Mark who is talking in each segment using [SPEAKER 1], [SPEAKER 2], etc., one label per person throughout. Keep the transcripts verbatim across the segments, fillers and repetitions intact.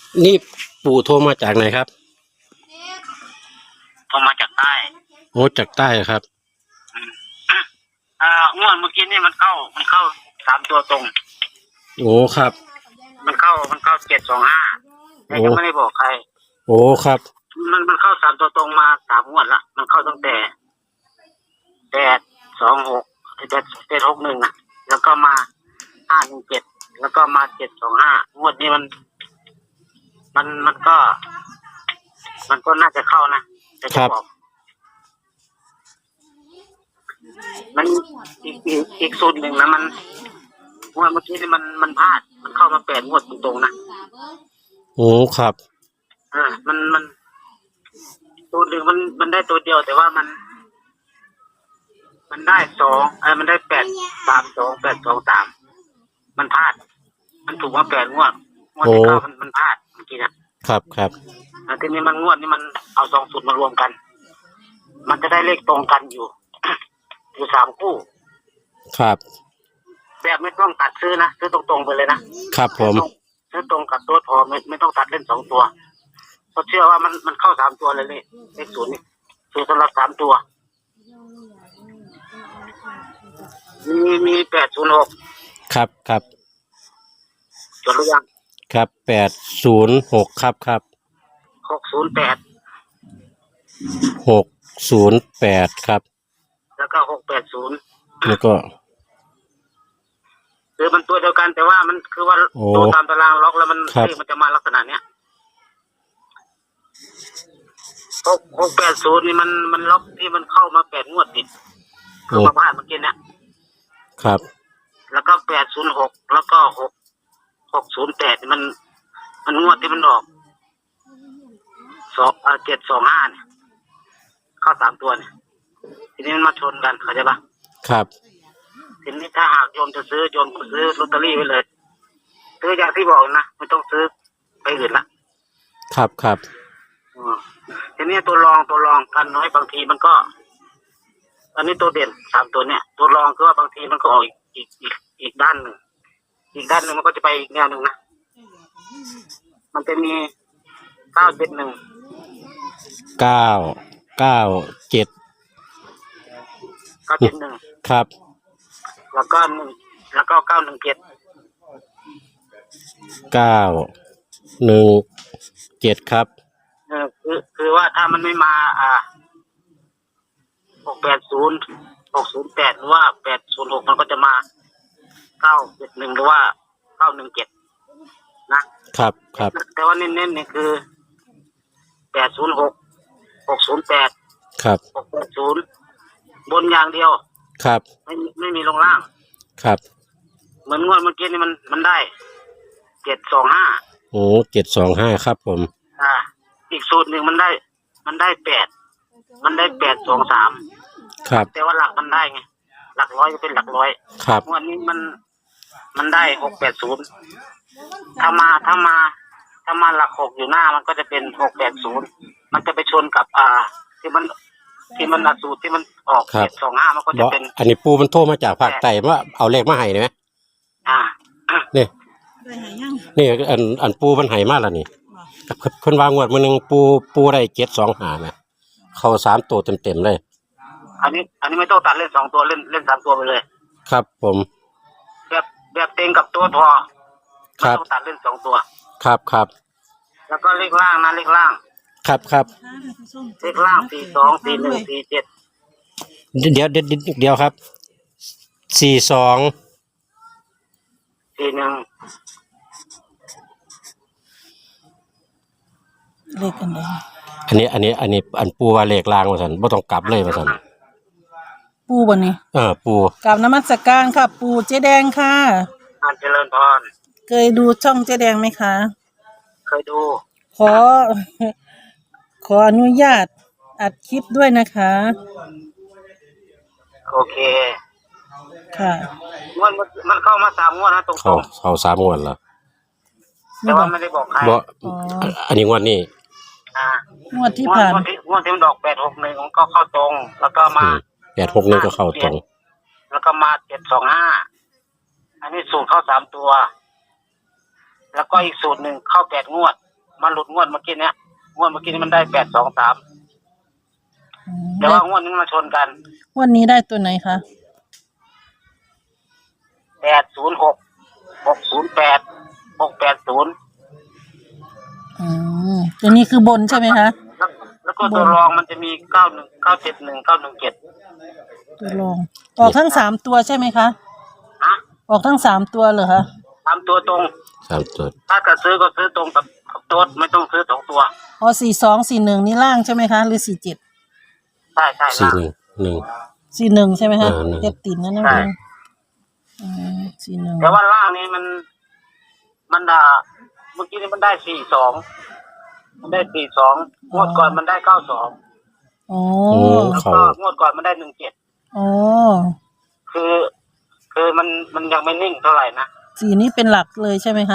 [SPEAKER 1] นี่ปู่โทรมาจากไหนครับ
[SPEAKER 2] โทรมาจากใต้
[SPEAKER 1] โอ้จากใต้ครับ
[SPEAKER 2] อ่างวดเมื่อกี้นี่มันเข้ามันเข้าสามตัวตรง
[SPEAKER 1] โอ้ครับ
[SPEAKER 2] มันเข้ามันเข้าเจ็ดสองห้าแต่ยังไม่ได้บอกใคร
[SPEAKER 1] โอ้ครับ
[SPEAKER 2] มันมันเข้าสามตัวตรงมาสามงวดละมันเข้าตั้งแต่แปดสองหกแปดแปดหกหนึ่งอ่ะแล้วก็มาห้าหนึ่งเจ็ดแล้วก็มาเจ็ดสองห้างวดนี้มัน มันมันก็ มันก็น่าจะเข้านะแต่จะบอกมันอีกอีกอีกสูตรหนึ่งนะมันงวดเมื่อกี้นี่มันมันพลาดมันเข้ามาแปดงวดตรงๆนะ
[SPEAKER 1] โอ้ครับ
[SPEAKER 2] อ่ามันมันตัวหนึ่งมันมันได้ตัวเดียวแต่ว่ามัน มันได้สองไอ้มันได้แปดสามสองแปดสองสามมันพลาดมันถูกมาแปดงวดงวดที่เก้ามันมันพลาดเมื่อกี้นะครับ
[SPEAKER 1] ครับ
[SPEAKER 2] ทีนี้มันงวดนี้มันเอาสองสูตรมารวมกัน มันจะได้เลขตรงกันอยู่ อยู่สามคู่
[SPEAKER 1] ครับ
[SPEAKER 2] แบบไม่ต้องตัดซื้อนะซื้อตรงๆไปเลยนะครับ
[SPEAKER 1] ผม
[SPEAKER 2] ซื้อตรงกับตัวพอไม่ไม่ต้องตัดเล่นสองตัวเพราะเชื่อว่ามันมันเข้าสามตัวเลยเลยเลขศูนย์นี่คือสำหรับสามตัวมีมีแปดศูนย์หก
[SPEAKER 1] ครับครับ
[SPEAKER 2] จดหรือยัง
[SPEAKER 1] ครับแปดศูนย์หกครับครับ
[SPEAKER 2] หกศูนย์แปด
[SPEAKER 1] หกศูนย์แปดครับ
[SPEAKER 2] แล้วก็หกแปดศูนย์
[SPEAKER 1] แล้วก็
[SPEAKER 2] คือมันตัวเดียวกันแต่ว่ามันคือว่าตัวตามตารางล็อกแล้วมันมันจะมาลักษณะเนี้ยหกหกแปดศูนย์นี่มันมันล็อกที่มันเข้ามาแปดงวดติดคือมาพลาดเมื่อกี้เนี่ย
[SPEAKER 1] ครับ
[SPEAKER 2] แล้วก็แปดศูนย์หกแล้วก็หกหกศูนย์แปดมันมันงวดที่มันออกสองอ่าเจ็ดสองห้าเนี่ยเข้าสามตัวเนี่ยทีนี้มันมาชนกันเข้าใจปะ
[SPEAKER 1] ครับ
[SPEAKER 2] ทีนี้ถ้าหากโยมจะซื้อโยมก็ซื้อลอตเตอรี่ไว้เลยซื้ออย่างที่บอกนะไม่ต้องซื้อไปอื่นละ
[SPEAKER 1] ครับครับ
[SPEAKER 2] ทีนี้ตัวรองตัวรองกันน้อยบางทีมันก็อันนี้ตัวเด่นสามตัวเนี่ยตัวรองคือว่าบางทีมันก็ออกอีกอีกอีกอีกด้านหนึ่งอีกด้านหนึ่งมันก็จะไปอีกแนวหนึ่งนะมันจะมีเก้าเจ็ดหนึ่ง
[SPEAKER 1] เก้าเก้าเจ็ด
[SPEAKER 2] เก้าเจ็ดหนึ่ง
[SPEAKER 1] ครับ
[SPEAKER 2] แล้วก็หนึ่งแล้วก็เก้าหนึ่งเจ็ด
[SPEAKER 1] เก้าหนึ่งเจ็ดครับ
[SPEAKER 2] เออคือคือว่าถ้ามันไม่มาอ่าหกแปดศูนย์หกศูนย์แปดหรือว่าแปดศูนย์หกมันก็จะมาเก้าเจ็ดหนึ่งหรือว่าเก้าหนึ่งเจ็ดนะครับ
[SPEAKER 1] ครับ
[SPEAKER 2] แต่ว่าเน้นๆนี่คือแปดศูนย์หกหกศูนย์แปด
[SPEAKER 1] ครับ
[SPEAKER 2] หกแปดศูนย์บนอย่างเดียว
[SPEAKER 1] ครับ
[SPEAKER 2] ไม่ไม่มีลงล่าง
[SPEAKER 1] ครับ
[SPEAKER 2] เหมือนงวดเมื่อกี้นี่มันมันได้เจ็ดสองห้า
[SPEAKER 1] โอ้เจ็ดสองห้าครับผม
[SPEAKER 2] อ่าอีกสูตรหนึ่งมันได้มันได้แปดมันได้แปดสองสาม
[SPEAKER 1] ครับ
[SPEAKER 2] แต่ว่าหลักมันได้ไงหลักร้อยก็เป็นหลักร้อย
[SPEAKER 1] ครับ
[SPEAKER 2] งวดนี้มันมันได้หกแปดศูนย์ถ้ามาถ้ามาถ้ามาหลักหกอยู่หน้ามันก็จะเป็นหกแปดศูนย์มันจะไปชนกับอ่าที่มันที่มันหลักสูตรที่มันออกเจ็ดสองห้ามันก็จะเป็น
[SPEAKER 1] อันนี้ปูมันโทรมาจากภาคใต้ว่าเอาเลขมาให้ไหม
[SPEAKER 2] อ่า
[SPEAKER 1] นี่นี่อันอันปูมันให้มาแล้วนี่คนวางงวดมันหนึ่งปูปูได้เจ็ดสองหานะเข้าสามตัวเต็มเต็มเลย
[SPEAKER 2] อันนี้อันนี้ไม่ต้องตัดเล่นสองตัวเล่นเล่นสามตัวไปเลย
[SPEAKER 1] ครับผม
[SPEAKER 2] แบบแบบเต็งกับตัวพอไม่ต้องตัดเล่นสองตัว
[SPEAKER 1] ครับครับ
[SPEAKER 2] แล้วก็เลขล่างนะเลขล่าง
[SPEAKER 1] ครับครับ
[SPEAKER 2] เลขล่างสี่สองสี่หนึ่งสี่เจ็ด
[SPEAKER 1] เดี๋ยวเดี๋ยวเดี๋ยวครับสี่สอง
[SPEAKER 2] สี่หนึ่ง
[SPEAKER 3] เลขกันเลย
[SPEAKER 1] อันนี้อันนี้อันนี้อันปูว่าเลขล่างมาสันไม่ต้องกลับเลยมาสัน
[SPEAKER 3] ปูบนนี้
[SPEAKER 1] เออปู
[SPEAKER 3] กลับนมัสการค่ะปูเจ๊แดงค่ะ
[SPEAKER 2] อันเจริญพร
[SPEAKER 3] เคยดูช่องเจ๊แดงไหมคะ
[SPEAKER 2] เคยดู
[SPEAKER 3] ขอขออนุญาตอัดคลิปด้วยนะคะ
[SPEAKER 2] โอเค
[SPEAKER 3] ค่ะ
[SPEAKER 2] งวดมันเข้ามาสามงวดนะตรงๆ
[SPEAKER 1] เข้าเข้าสามงวดแล้ว
[SPEAKER 2] แต่ว่าไม่ได้บอกใคร
[SPEAKER 1] บอกอันนี้งวดนี้
[SPEAKER 2] อ่
[SPEAKER 3] างวดที่ผ่าน
[SPEAKER 2] งวดที่มันดอกแปดหกหนึ่งก็เข้าตรงแล้วก็มา
[SPEAKER 1] แปดหกหนึ่งก็เข้าตรง
[SPEAKER 2] แล้วก็มาเจ็ดสองห้าอันนี้สูตรเข้าสามตัวแล้วก็อีกสูตรหนึ่งเข้าแปดงวดมันหลุดงวดเมื่อกี้เนี้ยงวดเมื่อกี้นี้มันได้แปดสองสาม
[SPEAKER 3] อืม
[SPEAKER 2] แต่ว่างวดนี้มาชนกัน
[SPEAKER 3] วันนี้ได้ตัวไหนคะ
[SPEAKER 2] แปดศูนย์หกหกศูนย์แปดหกแปดศูนย์
[SPEAKER 3] อืมตัวนี้คือบนใช่ไหมคะ
[SPEAKER 2] แล้วแล้วก็ตัวรองมันจะมีเก้าหนึ่งเก้าเจ็ดหนึ่งเก้าหนึ่งเจ็ด
[SPEAKER 3] ตัวรองออกทั้งสามตัวใช่ไหมคะ
[SPEAKER 2] ฮะ
[SPEAKER 3] ออกทั้งสามตัวเหรอคะ
[SPEAKER 2] ตามตัวตรง
[SPEAKER 1] สามตัว
[SPEAKER 2] ถ้าจะซื้อก็ซื้อตรงกับกับโต๊ดไม่ต้องซื้อสองตัว
[SPEAKER 3] อ๋อสี่สองสี่หนึ่งนี่ล่างใช่ไหมคะ หรือสี่เจ็ด
[SPEAKER 2] ใช่ใช่
[SPEAKER 1] สี่
[SPEAKER 2] ล่ะ
[SPEAKER 1] หนึ่งหนึ่ง
[SPEAKER 3] สี่หนึ่งใช่ไหมคะ
[SPEAKER 1] เออหนึ่ง
[SPEAKER 3] เจ็ดติดนั่นเอง
[SPEAKER 2] ใช่
[SPEAKER 3] อืมสี่หนึ่ง
[SPEAKER 2] แต่ว่าล่างนี้มัน มันอ่าเมื่อกี้นี้มันได้สี่สองมันได้สี่สองงวดก่อนมันได้เก้าสอง
[SPEAKER 3] อ๋อ
[SPEAKER 1] อืม
[SPEAKER 2] แล้ว
[SPEAKER 1] เขา
[SPEAKER 2] ก็งวดก่อนมันได้หนึ่งเจ็ด
[SPEAKER 3] อ๋อ
[SPEAKER 2] คือ คือมันมันยังไม่นิ่งเท่าไหร่นะ
[SPEAKER 3] สี่นี้เป็นหลักเลยใช่ไหมคะ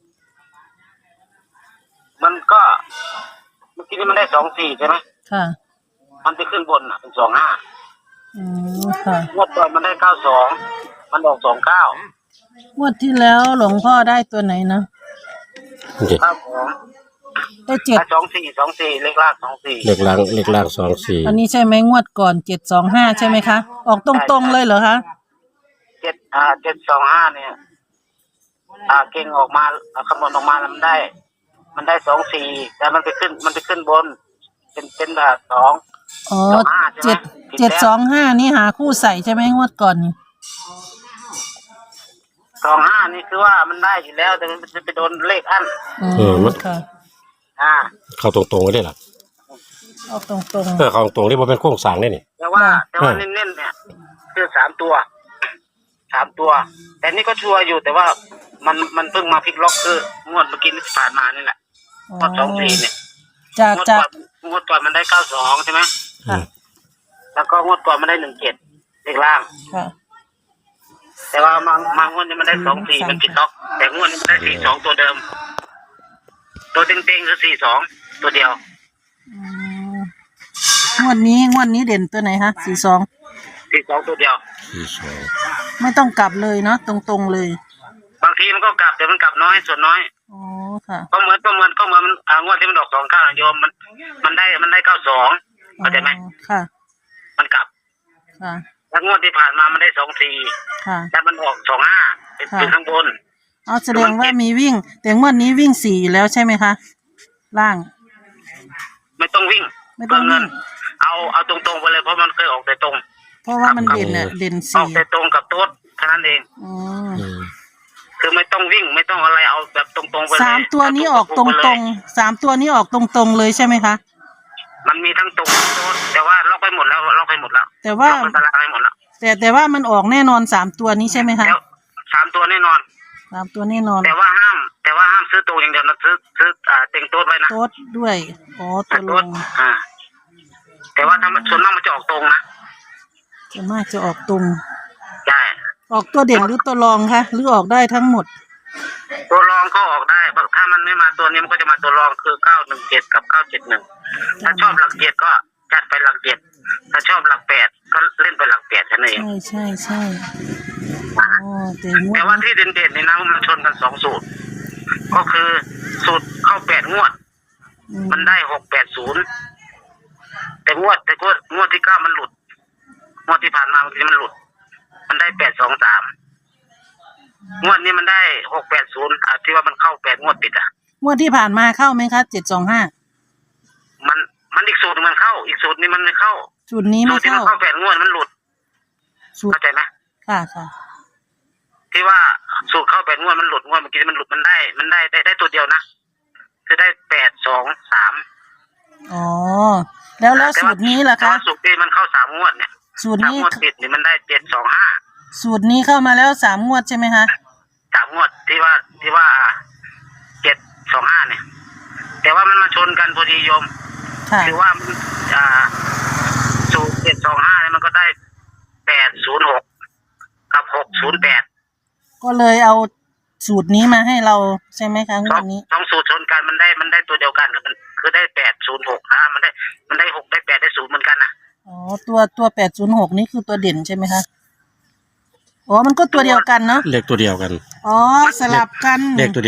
[SPEAKER 2] มันก็เมื่อกี้นี้มันได้สองสี่ใช่ไหม
[SPEAKER 3] ค่ะ
[SPEAKER 2] มันจะขึ้นบนอ่ะเป็นสองห้า
[SPEAKER 3] อืมค่ะ
[SPEAKER 2] งวดก่อนมันได้เก้าสองมันออกสองเก้าง
[SPEAKER 3] วดที่แล้วหลวงพ่อได้ตัวไหนนะ
[SPEAKER 1] เด็ก
[SPEAKER 2] เก้าสอง
[SPEAKER 3] ได้เจ็ด
[SPEAKER 2] ได้สองสี่สองสี่เลขล่างสองสี่
[SPEAKER 1] เล็กล่างเล็กล่างสองสี่
[SPEAKER 3] อันนี้ใช่ไหมงวดก่อนเจ็ดสองห้าใช่ไหมคะ ออกตรงๆเลยเหรอคะ
[SPEAKER 2] เจ็ดอ่าเจ็ดสองห้าเนี่ย อ่าเก่งออกมาอ่าคำนวณออกมาแล้วมันได้ มันได้สองสี่แต่มันไปขึ้น มันไปขึ้นบน เป็นเป็นแบบสอง
[SPEAKER 3] อ๋อ
[SPEAKER 2] สองห้าใช่ไหม
[SPEAKER 3] เจ็ด
[SPEAKER 2] ผิดแล้ว
[SPEAKER 3] เจ็ดสองห้านี่หาคู่ใส่ใช่ไหมงวดก่อนนี่
[SPEAKER 2] สองห้านี่คือว่ามันได้อยู่แล้ว แต่มันจะไปโดนเลขอัน
[SPEAKER 3] อืมค่ะ
[SPEAKER 2] อ่า
[SPEAKER 1] เข้าตรงๆไว้ได้หรอ
[SPEAKER 3] ออกตรง
[SPEAKER 1] เออเข้าตรงๆนี่มันเป็นโครงสร้างได้นี่
[SPEAKER 2] แต่ว่า
[SPEAKER 3] ค่ะ
[SPEAKER 2] แต่ว่า
[SPEAKER 1] อ่า
[SPEAKER 2] เน้นๆเนี่ย คือสามตัวสามตัว แต่นี่ก็ชัวร์อยู่แต่ว่ามันมันเพิ่งมาพลิกล็อกคืองวดเมื่อกี้ที่ผ่านมานี่แหละ
[SPEAKER 3] ๆอ๋อง
[SPEAKER 2] วดสองสี่เนี่ย
[SPEAKER 3] จาก
[SPEAKER 2] งวด
[SPEAKER 3] จาก
[SPEAKER 2] ก่อนงวดก่อนมันได้เก้าสองใช่ไหม
[SPEAKER 3] ค่ะ
[SPEAKER 2] แล้วก็งวดก่อนมันได้หนึ่งเจ็ดเลขล่าง
[SPEAKER 3] ค่ะ
[SPEAKER 2] แต่ว่ามามางวดนี้มันได้สองสี่มันผิดล็อก แต่งวดนี้มันได้สี่สองตัวเดิม ตัวเต็งๆคือสี่สองตัวเดียว
[SPEAKER 3] อืมงวดนี้งวดนี้เด่นตัวไหนคะสี่สอง
[SPEAKER 2] สี่สองตัวเดียว
[SPEAKER 1] สี่สอง
[SPEAKER 3] ไม่ต้องกลับเลยเนาะตรงๆเลย
[SPEAKER 2] บางทีมันก็กลับแต่มันกลับน้อยส่วนน้อย
[SPEAKER 3] อ๋อค่ะ
[SPEAKER 2] ก็เหมือนก็เหมือนก็เหมือนมันอ่างวดที่มันออกสองเก้าโยมมัน มันได้มันได้เก้าสองเข้าใจไหม
[SPEAKER 3] อ๋อค่ะ
[SPEAKER 2] มันกลับ
[SPEAKER 3] ค่ะ
[SPEAKER 2] แล้วงวดที่ผ่านมามันได้สองสี่
[SPEAKER 3] ค่ะ
[SPEAKER 2] แต่มันออกสองห้าเป็น
[SPEAKER 3] ค่ะ
[SPEAKER 2] เป็นข้างบน
[SPEAKER 3] เอาแสดงว่ามีวิ่ง แต่งวดนี้วิ่งสี่อยู่แล้วใช่ไหมคะ ล่าง
[SPEAKER 2] ไม่ต้องวิ่ง
[SPEAKER 3] ไม่ต้องวิ่ง
[SPEAKER 2] เพื่เงินเอาเอาตรงๆไปเลยเพราะมันเคยออกแต่ตรง
[SPEAKER 3] เพราะว่ามันเด่นอะเด่น
[SPEAKER 2] ออ
[SPEAKER 3] สี่
[SPEAKER 2] กแต่ตรงกับโต๊ดแค่นั้นเอง
[SPEAKER 3] อ๋อ
[SPEAKER 1] อืม
[SPEAKER 2] คือไม่ต้องวิ่งไม่ต้องอะไรเอาแบบตรงๆไปเลย
[SPEAKER 3] สามตัวนี้ออกตรงๆสามตัวนี้ออกตรงๆเลยใช่ไหมคะ
[SPEAKER 2] ๆมันมีทั้งตรงทั้งโต๊ดแต่ว่าล็อกไปหมดแล้วล็อกไปหมดแล้ว
[SPEAKER 3] แต่ว่า
[SPEAKER 2] ล็อกเป็นตารางไปหมดแล้ว
[SPEAKER 3] แต่แต่ว่ามันออกแน่นอนสามตัวนี้ใช่ไหมคะ
[SPEAKER 2] แล้วสามตัวแน่นอน
[SPEAKER 3] สามตัวแน่นอน
[SPEAKER 2] แต่ว่าห้าม แต่ว่าห้ามซื้อตัวอย่างเดียวนะซื้อซื้ออ่าเต็งโต๊ดไว้นะ
[SPEAKER 3] โต๊ดด้วยอ๋อตัวล
[SPEAKER 2] โต๊ด
[SPEAKER 3] ง
[SPEAKER 2] อ่า แต่ว่าถ้ามันส่วนมากมันจะออกตรงนะ
[SPEAKER 3] ส่วนมากจะออกตรง
[SPEAKER 2] ใช่
[SPEAKER 3] ออกตัวเด่นหรือตัวรองคะหรือออกได้ทั้งหมด
[SPEAKER 2] ตัวรองก็ออกได้ถ้ามันไม่มาตัวนี้มันก็จะมาตัวรองคือเก้าหนึ่งเจ็ดกับเก้าเจ็ดหนึ่งถ้าชอบหลักเจ็ดก็จัดไปหลักเจ็ดถ้าชอบหลักแปดก็เล่นไปหลักแปดแค่นั้นเอง
[SPEAKER 3] ใช่ใช่ใช่อ๋อแต่งว
[SPEAKER 2] แต่
[SPEAKER 3] ด
[SPEAKER 2] ว่า
[SPEAKER 3] นี้
[SPEAKER 2] ที่เด่นๆในนั้นมันชนกันสองสูตร ก็คือสูตรเข้าแปดงวด
[SPEAKER 3] อืม
[SPEAKER 2] มันได้หกแปดศูนย์แต่งวดแต่งวดงวดที่เก้ามันหลุดงวดที่ผ่านมาเมื่อกี้มันหลุด มันได้แปดสองสามงวดนี้มันได้หกแปดศูนย์อ่ะที่ว่ามันเข้าแปดงวดติดอ่ะ
[SPEAKER 3] งวดที่ผ่านมาเข้าไหมคะเจ็ดสองห้า
[SPEAKER 2] มันมันอีกสูตรหนึ่งมันเข้า อีกสูตรนี้มันไม่เข้า
[SPEAKER 3] สูตรนี้
[SPEAKER 2] สู
[SPEAKER 3] ไม่
[SPEAKER 2] ตรที่มั
[SPEAKER 3] เข้าน
[SPEAKER 2] เข้าแปดงวดมันหลุด
[SPEAKER 3] สูตร
[SPEAKER 2] เข้าใจไหม
[SPEAKER 3] ค่ะค่ะ
[SPEAKER 2] ที่ว่าสูตรเข้าแปดงวดมันหลุดงวดเมื่อกี้มันหลุดมันได้ มันได้ได้ได้ตัวเดียวนะคือได้แปดสองสาม
[SPEAKER 3] อ๋อแล้วแล้วสูตรนี้ล่ะ
[SPEAKER 2] แต่
[SPEAKER 3] คะ
[SPEAKER 2] ว่าสูตรที่มันเข้าสามงวดเนี่ย
[SPEAKER 3] สูตร
[SPEAKER 2] สาม
[SPEAKER 3] นี้
[SPEAKER 2] งวดติดนี่มันได้เจ็ดสองห้า
[SPEAKER 3] สูตรนี้เข้ามาแล้วสามงวดใช่ไหมคะ
[SPEAKER 2] สามงวดที่ว่าที่ว่าเจ็ดสองห้าเนี่ย แต่ว่ามันมาชนกันพอดีโยม
[SPEAKER 3] ค่ะ
[SPEAKER 2] คือว่ามันอ่าสูตรเจ็ดสองห้าเนี่ยมันก็ได้แปดศูนย์หกกับหกศูนย์แปด
[SPEAKER 3] ก็เลยเอาสูตรนี้มาให้เราใช่ไหมคะง
[SPEAKER 2] สอ
[SPEAKER 3] ว
[SPEAKER 2] ง
[SPEAKER 3] ดนี้
[SPEAKER 2] สองสูตรชนกันมันได้มันได้ตัวเดียวกันมันคือได้แปดศูนย์หกนะมันได้มันได้หกได้แปดได้ศูนย์เหมือนกันนะ
[SPEAKER 3] อ๋อตัวตัวแปดศูนย์หกนี่คือตัวเด่นใช่ไหมคะอ๋อมันก็ตัวเดียวกันเนาะ
[SPEAKER 1] เลขตัวเดียวกัน
[SPEAKER 3] อ๋อสลับกัน
[SPEAKER 1] เลขตัวเดียว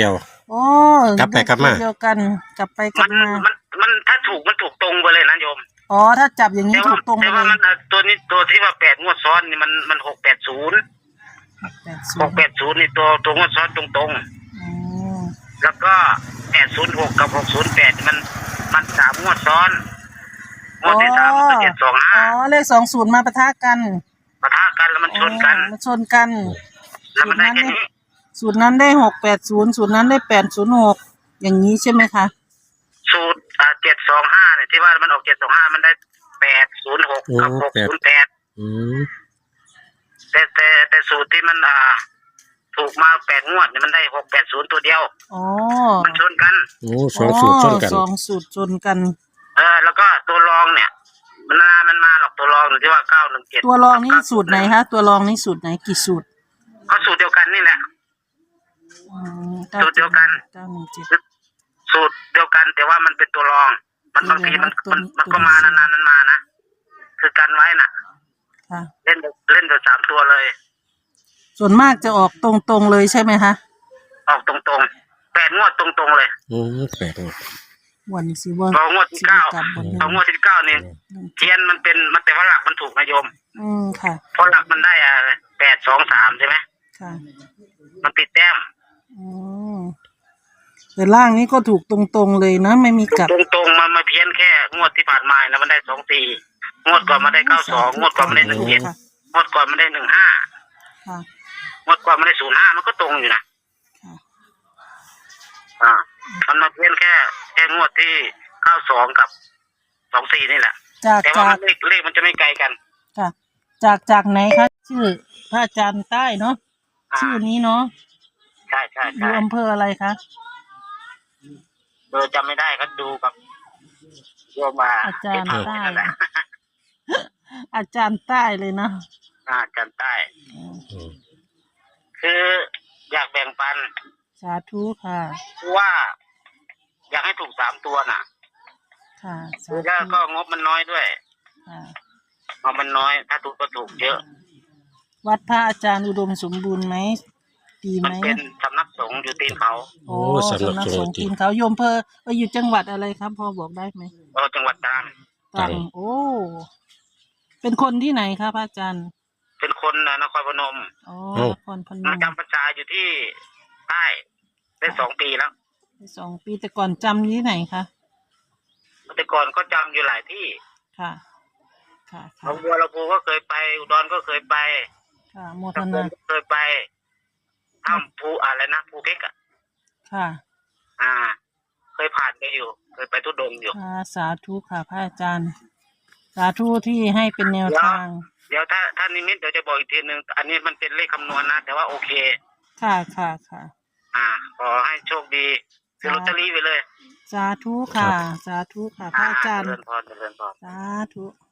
[SPEAKER 3] โอ้
[SPEAKER 1] กลับไปกลับมา
[SPEAKER 3] เดียวกันกลับไปก
[SPEAKER 2] มั
[SPEAKER 3] ลั
[SPEAKER 2] น
[SPEAKER 3] บมา
[SPEAKER 2] มันมันถ้าถูกมันถูกตรงไปเลยนะโยม
[SPEAKER 3] อ๋อถ้าจับอย่างนี้
[SPEAKER 2] แต่
[SPEAKER 3] ถู
[SPEAKER 2] ว่าก
[SPEAKER 3] ตรงไป
[SPEAKER 2] แต่
[SPEAKER 3] เล
[SPEAKER 2] ว่าย มันอ่ะตัวนี้ตัวที่ว่าแปดงวดซ้อนนี่มันมันหกแปดศูนย์
[SPEAKER 3] แปดศู
[SPEAKER 2] ห
[SPEAKER 3] น
[SPEAKER 2] ก
[SPEAKER 3] ย์
[SPEAKER 2] แปดศูนย์นี่ตัวตัวงวดซ้อนตรงตรง
[SPEAKER 3] อ๋อ
[SPEAKER 2] ๆแล้วก็แปดศูนย์หกกับหกศูนย์แปดมันมันสามงวดซ้อนงวดที่สามมันเจ็ดสอง
[SPEAKER 3] อ๋
[SPEAKER 2] ห้า
[SPEAKER 3] อเลขสองศูนย์มาปะทะกัน
[SPEAKER 2] ปะทะกันแล้วมันชนกัน
[SPEAKER 3] อ๋อมันชนกัน
[SPEAKER 2] แล้วมันได้แค่นี้
[SPEAKER 3] สูตรนั้นได้หกแปดศูนย์สูตรนั้นได้แปดศูนย์หกอย่างนี้ใช่ไหมคะ
[SPEAKER 2] สูตรอ่าเจ็ดสองห้าเนี่ยที่ว่ามันออกเจ็ดสองห้ามันได้แปดศูนย์หกกับหกศูนย์แปด
[SPEAKER 1] อืม
[SPEAKER 2] แต่แต่แต่สูตรที่มันอ่าถูกมาแปดงวดเนี่ยมันได้หกแปดศูนย์ตัวเดียว
[SPEAKER 3] อ๋อ
[SPEAKER 2] มันชนกัน
[SPEAKER 1] โอ้สองสูตรชนกัน
[SPEAKER 3] สองสูตรชนกัน
[SPEAKER 2] เออแล้วก็ตัวรองเนี่ย มันนานมันมาหรอกตัวรองที่ว่าเก้าหนึ่งเจ็ด
[SPEAKER 3] ตัวรองนี่สูตรไหนคะตัวรองนี่สูตรไหนกี่สูตร
[SPEAKER 2] ก็สูตรเดียวกันนี่แหละ
[SPEAKER 3] อืม
[SPEAKER 2] สูตรเดียวกัน
[SPEAKER 3] เก้าหนึ่งเจ็ด
[SPEAKER 2] สูตรเดียวกัน แต่ว่ามันเป็นตัวรอง มันบางทีมัน
[SPEAKER 3] ตัว
[SPEAKER 2] มัน
[SPEAKER 3] นี้
[SPEAKER 2] มันก็
[SPEAKER 3] ตัวนี้
[SPEAKER 2] มานานๆมันมานะคือกันไว้น่ะ
[SPEAKER 3] ค่ะ
[SPEAKER 2] เล่นเล่นตัวสามตัวเลย
[SPEAKER 3] ส่วนมากจะออกตรงๆเลยใช่ไหมคะ
[SPEAKER 2] ออกตรงๆแปดงวดตรงๆเลย
[SPEAKER 1] อืมแปดงวด
[SPEAKER 3] วันสิว่า
[SPEAKER 2] พองวดที่เก้า
[SPEAKER 3] สิบกลับบน
[SPEAKER 2] พองวดที่เก้านี่เทียนมันเป็นมันแต่ว่าหลักมันถูกนะโยม
[SPEAKER 3] อืมค่ะ
[SPEAKER 2] เพราะหลักมันได้อ่ะแปดสองสามใช่ไหม
[SPEAKER 3] ค่ะ
[SPEAKER 2] มันติดแต้ม
[SPEAKER 3] อืมแต่ล่างนี้ก็ถูกตรงๆเลยนะไม่มีกลับ
[SPEAKER 2] ตรงตรงๆมันมาเพี้ยนแค่งวดที่ผ่านมานะมันได้สองสี่งวดก่อนมันได้เก้าสองงวดก่อนมันได้หนึ่งเจ็ด
[SPEAKER 3] ค่ะ
[SPEAKER 2] งวดก่อนมันได้หนึ่งห้า
[SPEAKER 3] ค่ะ
[SPEAKER 2] งวดก่อนมันได้ศูนย์ห้ามันก็ตรงอยู่นะ
[SPEAKER 3] ค่ะ
[SPEAKER 2] อ่า มันมาเพี้ยนแค่แค่งวดที่เก้าสองกับสองสี่นี่แหละ
[SPEAKER 3] จาก
[SPEAKER 2] แต่ว่า
[SPEAKER 3] จาก
[SPEAKER 2] มันเลขเลขมันจะไม่ไกลกัน
[SPEAKER 3] ค่ะจากจากไหนคะชื่อพระอาจารย์ใต้เนาะ
[SPEAKER 2] อ่า
[SPEAKER 3] ชื่อนี้เนาะ
[SPEAKER 2] ใช่ใช่
[SPEAKER 3] อ
[SPEAKER 2] ใช่
[SPEAKER 3] ยู่อำเภออะไรคะ
[SPEAKER 2] เออจำไม่ได้ก็ดูกับโยมมา
[SPEAKER 3] อาจารย์
[SPEAKER 2] ที่
[SPEAKER 3] ใต้
[SPEAKER 2] ทำนั่นแหละ
[SPEAKER 3] อาจารย์ใต้เลยเนาะ
[SPEAKER 2] อ่าอาจารย์ใต้
[SPEAKER 1] อืม
[SPEAKER 2] คืออยากแบ่งปัน
[SPEAKER 3] สาธุค่ะ
[SPEAKER 2] ว่า อยากให้ถูกสามตัวน่ะ
[SPEAKER 3] ค่ะสา
[SPEAKER 2] แล้ว
[SPEAKER 3] ธุ
[SPEAKER 2] ก็งบมันน้อยด้วย
[SPEAKER 3] ค่ะ
[SPEAKER 2] งบมันน้อย ถ้าถูกก็ถูกเยอะ
[SPEAKER 3] วัดพระอาจารย์อุดมสมบูรณ์ไหมดี
[SPEAKER 2] มั
[SPEAKER 3] ไห
[SPEAKER 2] น
[SPEAKER 3] ม
[SPEAKER 2] เป็นสำนักสงฆ์อยู่ตีนเขา
[SPEAKER 3] โอ้
[SPEAKER 1] โอ้สำนัก
[SPEAKER 3] สำนัก
[SPEAKER 1] ส
[SPEAKER 3] ส
[SPEAKER 1] ง
[SPEAKER 3] ง
[SPEAKER 1] ฆ์
[SPEAKER 3] ฆ์
[SPEAKER 1] จริ
[SPEAKER 3] ที
[SPEAKER 1] ง
[SPEAKER 3] มเขาโยมเพอเอออยู่จังหวัดอะไรครับพอบอกได้ไหม
[SPEAKER 2] เออจังหวัดตรัง
[SPEAKER 3] ตรังโอ้เป็นคนที่ไหนครับพระอาจารย์
[SPEAKER 2] เป็นคนนะนครพนม
[SPEAKER 3] อ๋อ
[SPEAKER 1] เอ้า
[SPEAKER 3] นครพน
[SPEAKER 2] มาม จำพรรษาอยู่ที่ใต้ได้สองปีแล้ว
[SPEAKER 3] สองปีแต่ก่อนจำอยู่ที่ไหนคะ
[SPEAKER 2] แต่ก่อนก็จำอยู่หลายที่
[SPEAKER 3] ค่ะ ค่ะ
[SPEAKER 2] หน
[SPEAKER 3] ค่ะ
[SPEAKER 2] องบัวลำพูก็เคยไป อุดรก็เคยไป
[SPEAKER 3] ค่ะโมท
[SPEAKER 2] ตะพ
[SPEAKER 3] นา
[SPEAKER 2] งก็เคยไปถ้ำภูอะไรนะภูเก็กอ่ะ
[SPEAKER 3] ค่ะ
[SPEAKER 2] อ่า เคยผ่านไปอยู่ เคยไปทุดงค์อยู่
[SPEAKER 3] ค่ะสาธุค่ะพระอาจารย์ สาธุที่ให้เป็นแนวทาง
[SPEAKER 2] เดี๋ยวถ้าถ้านิมิตเดี๋ยวจะบอกอีกทีหนึ่งอันนี้มันเป็นเลขคำนวณนะ แต่ว่าโอเค
[SPEAKER 3] ค่ะค่ะค่ะ
[SPEAKER 2] อ่า ขอให้โชคดีซื้อลอตเตอรี่ไปเลย
[SPEAKER 3] สาธุค่ะ สาธุค่ะพระอาจารย์
[SPEAKER 2] เจริญพรเจริญพร
[SPEAKER 3] สาธุ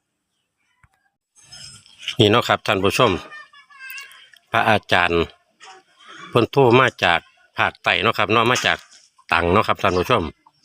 [SPEAKER 1] นี่เนาะครับท่านผู้ชม พระอาจารย์เพิ่นโทรมาจากภาคใต้เนาะครับเนาะมาจากตังเนาะครับท่านผู้ชม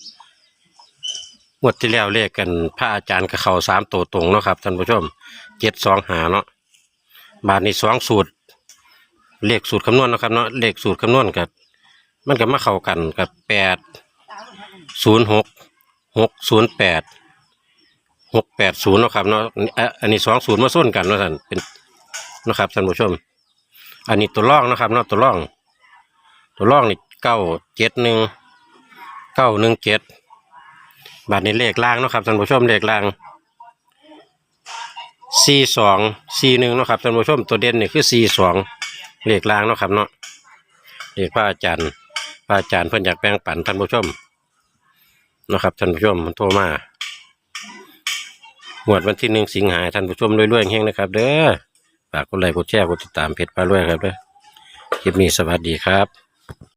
[SPEAKER 1] งวดที่แล้วเลขกันพระอาจารย์กับเขาสามตัวตรงเนาะครับท่านผู้ชมเจ็ดสองหาเนาะบาทนี้สองสูตรเลขสูตรคำนวณเนาะครับเนาะเลขสูตรคำนวณกับมันก็มาเข้ากันกับแปดศูนย์หกหกศูนย์แปดหกแปดศูนย์เนาะครับเนาะอ่ะอันนี้สองศูนย์มาส้นกันเนาะท่านเป็นเนาะครับท่านผู้ชม อันนี้ตัวร่องนะครับเนาะตัวร่อง ตัวร่องนี่เก้าเจ็ดหนึ่งเก้าหนึ่งเจ็ดบาทนี้เลขล่างเนาะครับท่านผู้ชมเลขล่างสี่สองสี่หนึ่งเนาะครับท่านผู้ชมตัวเด่นนี่คือสี่สองเลขล่างเนาะครับเนาะเลขพระอาจารย์พระอาจารย์เพิ่นอยากแบ่งปันท่านผู้ชมเนาะครับท่านผู้ชมมันโทรมาหวดวันที่หนึ่งสิงหาท่านผู้ชมรวยๆเฮงๆนะครับเด้อฝากกดไลค์กดแชร์กดติดตามเพจปลารวยครับเด้อคลิปนี้สวัสดีครับ